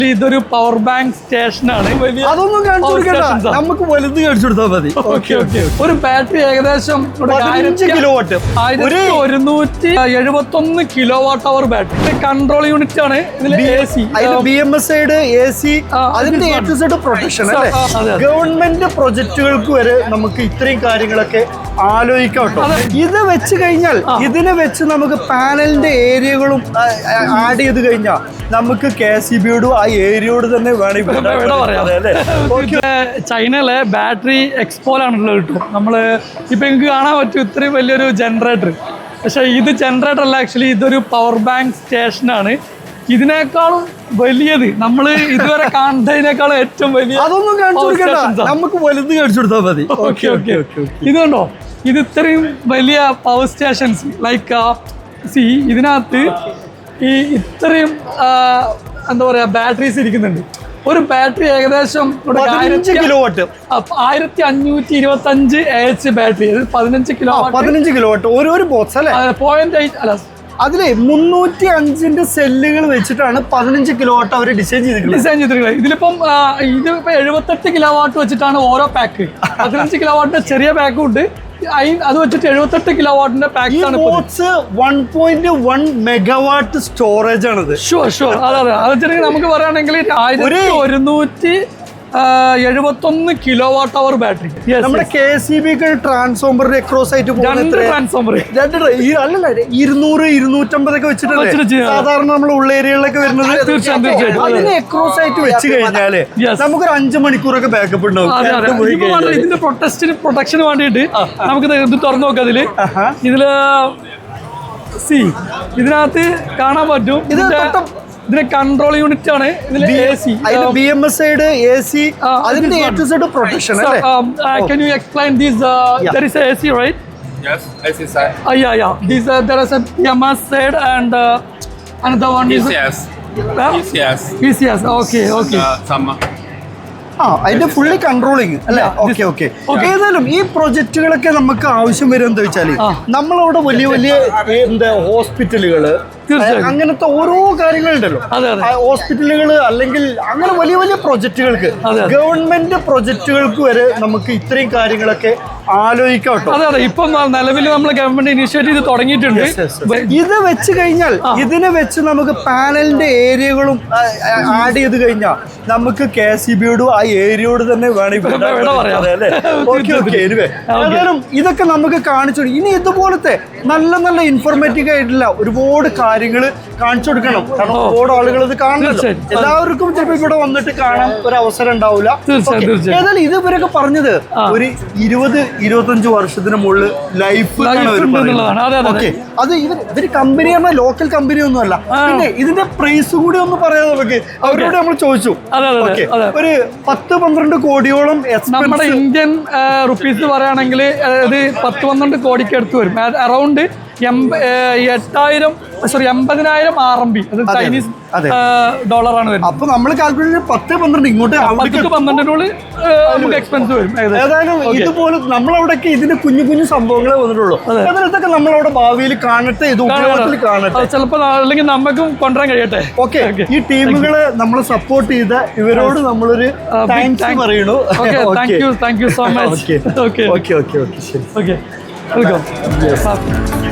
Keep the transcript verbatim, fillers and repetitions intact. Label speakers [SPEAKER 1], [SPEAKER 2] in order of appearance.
[SPEAKER 1] ഇതൊരു power bank സ്റ്റേഷനാണ്.
[SPEAKER 2] അതൊന്നും കാണിച്ചു കൊടുക്കണ്ട, നമുക്ക് വലുത് കാണിച്ചു കൊടുത്താൽ മതി.
[SPEAKER 1] ഒരു ബാറ്ററി ഏകദേശം
[SPEAKER 2] കിലോ വാട്ട്,
[SPEAKER 1] ഒരുന്നൂറ്റി എഴുപത്തി ഒന്ന് kilo watt hour battery. Control unit ആണ് ഇതിൽ. A C,
[SPEAKER 2] B M S ഐഡ്, എ സി, അതിന്റെ എ ടു സെഡ് പ്രൊട്ടക്ഷൻ അല്ലേ. ഗവൺമെന്റ് പ്രൊജക്ടുകൾക്ക് വരെ നമുക്ക് ഇത്രയും കാര്യങ്ങളൊക്കെ ആലോചിക്കാം കേട്ടോ. ഇത് വെച്ച് കഴിഞ്ഞാൽ ഇതിനെ വെച്ച് നമുക്ക് പാനലിന്റെ ഏരിയകളും ആഡ് ചെയ്ത് കഴിഞ്ഞാൽ നമുക്ക് കെ എസ് ഇ ബിയോടും ആ ഏരിയയോട് തന്നെ വേണമെങ്കിൽ
[SPEAKER 1] ചൈനയിലെ ബാറ്ററി എക്സ്പോലാണുള്ളത് കിട്ടും. നമ്മള് ഇപ്പൊ എനിക്ക് കാണാൻ പറ്റും ഇത്രയും വലിയൊരു ജനറേറ്റർ. പക്ഷെ ഇത് ജനറേറ്റർ അല്ല, ആക്ച്വലി ഇതൊരു പവർ ബാങ്ക് സ്റ്റേഷനാണ്. ഇതിനേക്കാളും വലിയത് നമ്മൾ ഇതുവരെ കാണുന്നതിനേക്കാളും ഏറ്റവും വലിയ.
[SPEAKER 2] അതൊന്നും കാണിച്ചു കൊടുക്കണ്ട, നമുക്ക് വലുത് കാണിച്ചു കൊടുത്താൽ മതി.
[SPEAKER 1] ഓക്കെ ഓക്കെ ഇത് കണ്ടോ, ഇത് ഇത്രയും വലിയ പവർ സ്റ്റേഷൻസ് ലൈക്ക് സി ഇതിനകത്ത് ഈ ഇത്രയും എന്താ പറയാ ബാറ്ററീസ് ഇരിക്കുന്നുണ്ട്. ഒരു ബാറ്ററി ഏകദേശം
[SPEAKER 2] കിലോ വാട്ട്,
[SPEAKER 1] ആയിരത്തി അഞ്ഞൂറ്റി ഇരുപത്തി അഞ്ച് എച്ച് ബാറ്ററി, പതിനഞ്ച് കിലോ
[SPEAKER 2] പതിനഞ്ച് കിലോ വാട്ട് ഒരു ബോക്സ് അല്ലേ.
[SPEAKER 1] പോയിന്റ് എയ്റ്റ് അല്ല,
[SPEAKER 2] അതിലെ മുന്നൂറ്റി അഞ്ചിന്റെ സെല്ലുകൾ വെച്ചിട്ടാണ് പതിനഞ്ച് കിലോ വാട്ട് അവർ ഡിസൈൻ ചെയ്തിട്ടുള്ളത്
[SPEAKER 1] ഡിസൈൻ ചെയ്തിട്ടുള്ളത് ഇതിലിപ്പം ഇതിപ്പോ എഴുപത്തെട്ട് കിലോ വാട്ട് വെച്ചിട്ടാണ് ഓരോ പാക്ക്. പതിനഞ്ച് കിലോ വാട്ടിന്റെ ചെറിയ പാക്കും ഉണ്ട്, അത് വെച്ചിട്ട് എഴുപത്തെട്ട് കിലോ വാട്ടിന്റെ പാക്ക് ആണ്.
[SPEAKER 2] One point one megawatt storage ആണിത്.
[SPEAKER 1] ഷുവർ ഷുവർ അതെ അതെ അത് വെച്ചിട്ടുണ്ടെങ്കിൽ നമുക്ക് പറയുകയാണെങ്കിൽ ആയിരത്തി ഒരുന്നൂറ്റി എഴുപത്തൊന്ന് കിലോ വാട്ട് അവർ ബാറ്ററി.
[SPEAKER 2] നമ്മുടെ കെ എസ് ഇ ബി ട്രാൻസ്ഫോമറിന്റെ അക്രോസ് ആയിട്ട്
[SPEAKER 1] ട്രാൻസ്ഫോമർ
[SPEAKER 2] അല്ലല്ല ഇരുന്നൂറ് ഇരുന്നൂറ്റമ്പതൊക്കെ വെച്ചിട്ടുണ്ട് സാധാരണ നമ്മൾ ഉള്ള ഏരിയകളിലൊക്കെ വരുന്നത്. അതിന് അക്രോസ് ആയിട്ട് വെച്ച് കഴിഞ്ഞാല് നമുക്കൊരു അഞ്ചു മണിക്കൂറൊക്കെ ബാക്കപ്പ് ഉണ്ടാവും.
[SPEAKER 1] ഇതിന്റെ പ്രൊട്ടക്ഷൻ പ്രൊട്ടക്ഷന് വേണ്ടിയിട്ട് നമുക്ക് ഇത് തുറന്നു നോക്കാം. അതില് ഇതില് സി ഇതിനകത്ത് കാണാൻ പറ്റും ഇതിന്റെ കൺട്രോൾ യൂണിറ്റ് ആണ്. ഇതിൽ A C,
[SPEAKER 2] B M S ഐഡ്, എ സി, അതിന്റെ എ ടു സെഡ് പ്രൊട്ടക്ഷൻ അല്ലേ.
[SPEAKER 1] Can you explain this? Uh, there is a A C, right?
[SPEAKER 3] Yes, A C side.
[SPEAKER 1] Uh, yeah, yeah. This uh, there is a B M S side and uh, another one is
[SPEAKER 3] E C S.
[SPEAKER 1] Uh,
[SPEAKER 3] E C S.
[SPEAKER 1] E C S. Okay, okay.
[SPEAKER 3] Uh, summer.
[SPEAKER 2] ആ അതിന്റെ fully controlling അല്ലേ. Okay okay ഏതായാലും ഈ പ്രൊജക്ടുകളൊക്കെ നമുക്ക് ആവശ്യം വരും എന്താ വെച്ചാല് നമ്മളവിടെ വലിയ വലിയ എന്താ ഹോസ്പിറ്റലുകള് അങ്ങനത്തെ ഓരോ കാര്യങ്ങളുണ്ടല്ലോ. ഹോസ്പിറ്റലുകൾ അല്ലെങ്കിൽ അങ്ങനെ വലിയ വലിയ പ്രൊജക്ടുകൾക്ക് ഗവൺമെന്റ് പ്രൊജക്ടുകൾക്ക് വരെ നമുക്ക് ഇത്രയും കാര്യങ്ങളൊക്കെ ആലോചിക്കാം കേട്ടോ.
[SPEAKER 1] അതെ അതെ ഇപ്പൊ നിലവിൽ നമ്മൾ ഗവൺമെന്റ് ഇനിഷ്യേറ്റ് ചെയ്ത് തുടങ്ങിയിട്ടുണ്ട്.
[SPEAKER 2] ഇത് വെച്ച് കഴിഞ്ഞാൽ ഇതിനെ വെച്ച് നമുക്ക് പാനലിന്റെ ഏരിയകളും ആഡ് ചെയ്ത് കഴിഞ്ഞാൽ നമുക്ക് കെ എസ് ഇ ബിയോടും ആ ഏരിയയോട് തന്നെ വേണമെങ്കിൽ ഇതൊക്കെ നമുക്ക് കാണിച്ചു. ഇനി ഇതുപോലത്തെ നല്ല നല്ല ഇൻഫോർമേറ്റീവ് ആയിട്ടുള്ള ഒരുപാട് കാര്യങ്ങൾ കാണിച്ചു കൊടുക്കണം. കാരണം ഒരുപാട് ആളുകൾ ഇത് കാണുന്നുണ്ട്. എല്ലാവർക്കും ചിലപ്പോൾ ഇവിടെ വന്നിട്ട് കാണാൻ ഒരു അവസരം ഉണ്ടാവില്ല. ഏതായാലും ഇത് ഇവരൊക്കെ പറഞ്ഞത് ഒരു ഇരുപത് ഇരുപത്തഞ്ച് വർഷത്തിന് മുകളിൽ ലൈഫ് അത് ഇവർ ഇവര് കമ്പനി പറഞ്ഞാൽ ലോക്കൽ കമ്പനി ഒന്നും അല്ല. പിന്നെ ഇതിന്റെ പ്രൈസ് കൂടി ഒന്ന് പറയാം നമുക്ക്. അവരോട് നമ്മൾ ചോദിച്ചു. ഒരു പത്ത് പന്ത്രണ്ട് കോടിയോളം
[SPEAKER 1] നമ്മുടെ ഇന്ത്യൻ റുപ്പീസ് പറയുകയാണെങ്കിൽ അത് പത്ത് പന്ത്രണ്ട് കോടിക്ക് അടുത്ത് വരും. അറൗണ്ട് എട്ടായിരം സോറി എൺപതിനായിരം ആർ എം ബി, അത് ചൈനീസ് ഡോളറാണ് വരുന്നത്.
[SPEAKER 2] അപ്പൊ നമ്മൾ കാൽക്കുലേറ്റ് പത്ത് പന്ത്രണ്ട് ഇങ്ങോട്ട്
[SPEAKER 1] പന്ത്രണ്ടിനുള്ളിൽ നമുക്ക് എക്സ്പെൻസ് വരും.
[SPEAKER 2] ഏതായാലും ഇതുപോലെ നമ്മളവിടെയൊക്കെ ഇതിന്റെ കുഞ്ഞു കുഞ്ഞു സംഭവങ്ങളെ വന്നിട്ടുള്ളൂ. അതിനകത്തൊക്കെ നമ്മളവിടെ ഭാവിയിൽ കാണട്ടെ, ഇത് ഉപയോഗത്തിൽ കാണട്ടെ.
[SPEAKER 1] ചിലപ്പോൾ അല്ലെങ്കിൽ നമുക്കും കൊണ്ടുവരാൻ കഴിയട്ടെ.
[SPEAKER 2] ഓക്കെ, ഈ ടീമുകളെ നമ്മളെ സപ്പോർട്ട് ചെയ്ത ഇവരോട് നമ്മളൊരു താങ്ക്സ് പറയണു.
[SPEAKER 1] Thank you thank you so much. Okay
[SPEAKER 2] okay okay okay ശരി.
[SPEAKER 1] Okay welcome.